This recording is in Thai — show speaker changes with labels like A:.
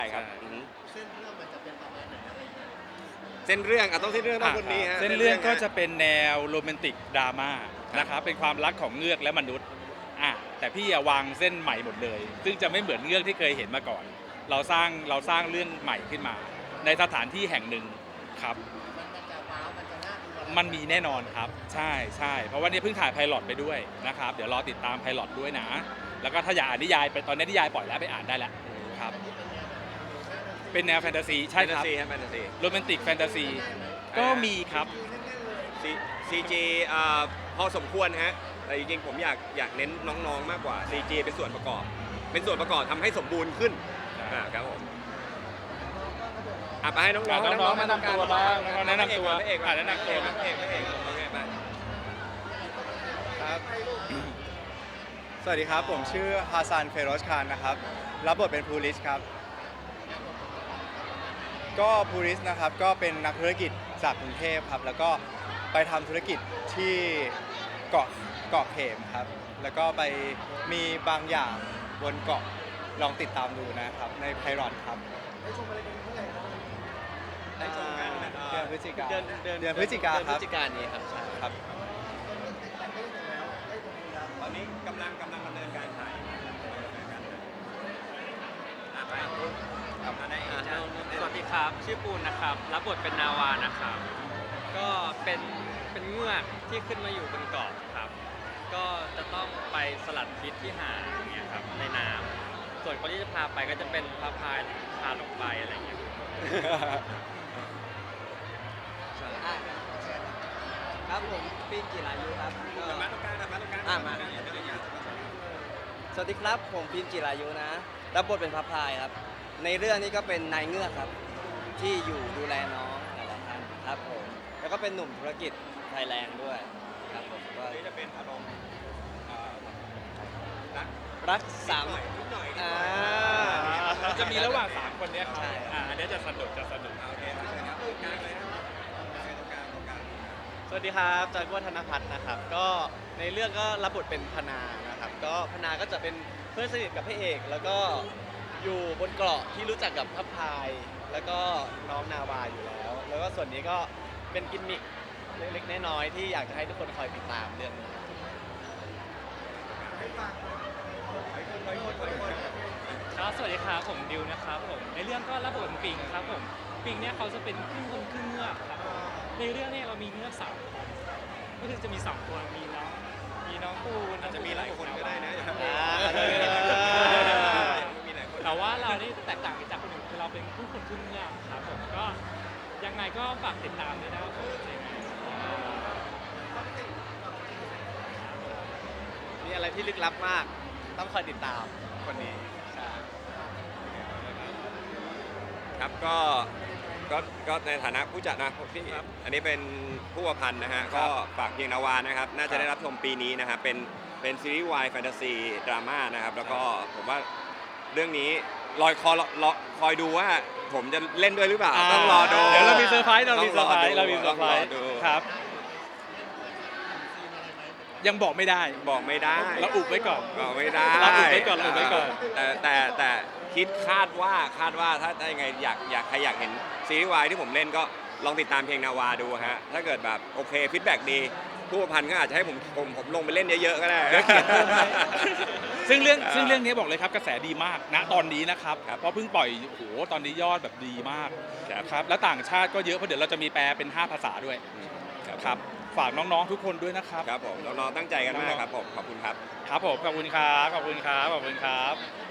A: ช่ครับ
B: เส้นเรื่องมันจะเป็นประมาณไหนอะไรยังไง
A: เส้นเรื่องต้องเส้นเรื่องต้องคนนี้ฮะ
C: เส้นเรื่องก็จะเป็นแนวโรแมนติกดราม่านะครับเป็นความรักของเงือกและมนุษย์แต่พี่วางเส้นใหม่หมดเลยซึ่งจะไม่เหมือนเงือกที่เคยเห็นมาก่อน เราสร้างเรื่องใหม่ขึ้นมา ในสถานที่แห่งหนึ่งครับ
B: มันจะว้าวมันจะน่าดู
C: มันมีแน่นอนครับใช่เพราะว่านี่เพิ่งถ่ายไพลอตไปด้วยนะครับเดี๋ยวรอติดตามไพลอตด้วยนะแล้วก็ถ้าอยากอ่านนิยายไปตอนนี้นิยายปล่อยแล้วไปอ่านได้แล้วครับเป็นแนวแฟนตาซีใช่ครับ
A: แฟนตาซี
C: โรแมนติกแฟนตาซีก็มีครับ
A: CG พอสมควรฮะแต่จริงๆผมอยากเน้นน้องๆมากกว่า CG เป็นส่วนประกอบทำให้สมบูรณ์ขึ้นครับผมไปให้น้องๆ
C: แนะนำตัวบ้างแนะนำตัว
A: พระเอก
C: แนะนำตัว
A: พระเอก
D: ครับสวัสดีครับผมชื่อฮาซานเฟโรชคานนะครับรับบทเป็นพูลิสครับก็พูลิสนะครับก็เป็นนักธุรกิจจากกรุงเทพครับแล้วก็ไปทำธุรกิจที่เกาะเขมครับแล้วก็ไปมีบางอย่างบนเกาะลองติดตามดูนะครับในไพลอตครับ
A: ได้ชมกัน
D: เดือนพฤศจิกาครับ
B: นี้ครับ
D: ใช่ครับ
A: ตอนนี้กำลังดำเนินการถ่าย
E: สวัสดีครับชื่อปูนนะครับรับบทเป็นนาวานะครับก็เป็นเงือกที่ขึ้นมาอยู่บนเกาะครับก็จะต้องไปสลัดพิษที่หาดอย่างเงี้ยครับในน้ำส่วนคนที่จะพาไปก็จะเป็นพาพายพาลงไปอะไรอย่างเงี้ย
F: ครับผมปีนจิรายุครับ
A: มาตรงกลาง
F: มาสวัสดีครับผมปีนจิรายุนะรับบทเป็นพระพายครับในเรื่องนี้ก็เป็นนายเงือกครับที่อยู่ดูแลน้องหลายๆท่านครับผมแล้วก็เป็นหนุ่มธุรกิจไทยแลนด์ด้วยครับผมก็
A: นี่จะเป็นอารมณ์
F: รักสาม
A: นิดหน่อย
C: จะมีระหว่าง3คนนี้ครับอันนี้จะสนุก
A: โอเคครับกลางเลยนะตรงกลาง
G: สวัสดีครับจากวัฒนพัฒน์นะครับก็ในเรื่องก็รับบทเป็นพนานะครับก็พนาก็จะเป็นเพื่อนสนิทกับพระเอกแล้วก็อยู่บนเกาะที่รู้จักกับพระพายแล้วก็น้องนาวาอยู่แล้วก็ส่วนนี้ก็เป็นกิมมิคเล็กๆน้อยๆที่อยากจะให้ทุกคนคอยติดตามเรื่องนี้
E: ครับสวัสดีครับผมดิวนะครับผมในเรื่องก็รับบทเป็นปิงครับผมปิงเนี่ยเขาจะเป็นครึ่งคนครึ่งเงือกครับในเรื่องนี้เรามีเงือก3คนก็คือจะมี2ตัวมีน้องปูน
A: อาจจะมีหลายคนก็ได้นะ
E: แต่ว่าเรานี่แตกต่างจากคนอื่นคือเราเป็นผู้คนครึ่งเงือกครับผมก็ยังไงก็ฝากติดตามด้วยนะครับผม
G: มีอะไรที่ลึกลับมากต้องคอยติดตามคนนี้
A: ครับก็ในฐานะผู้จัดนะพี่อันนี้เป็นผู้ประพันธ์นะฮะก็ฝากเพียงนาวานะครับน่าจะได้รับชมปีนี้นะครับเป็นซีรีส์วายแฟนตาซีดราม่านะครับแล้วก็ผมว่าเรื่องนี้คอยดูว่าผมจะเล่นด้วยหรือเปล่าต้องรอดู
C: เดี๋ยวเรามีเซอร์ไพรส์ครับยังบอกไม่ได้เราอุบไว้ก่อน
A: แต่คิดคาดว่าถ้ายังไงใครอยากเห็นซีรีส์วายที่ผมเล่นก็ลองติดตามเพลงนาวาดูฮะถ้าเกิดแบบโอเคฟีดแบ็กดีผู้ประพันธ์ก็อาจจะให้ผมลงไปเล่นเยอะๆก็ได้
C: ซึ่งเรื่องนี้บอกเลยครับกระแสดีมากนะตอนนี้นะครับเพราะเพิ่งปล่อยโอ้โหตอนนี้ยอดแบบดีมากครับแล้วต่างชาติก็เยอะเพราะเดี๋ยวเราจะมีแปลเป็น5 ภาษาด้วยครับฝากน้องๆทุกคนด้วยนะครับ
A: ครับผมน้องๆตั้งใจกันมากครับผมขอบคุณครับ
C: ครับผมขอบคุณครับ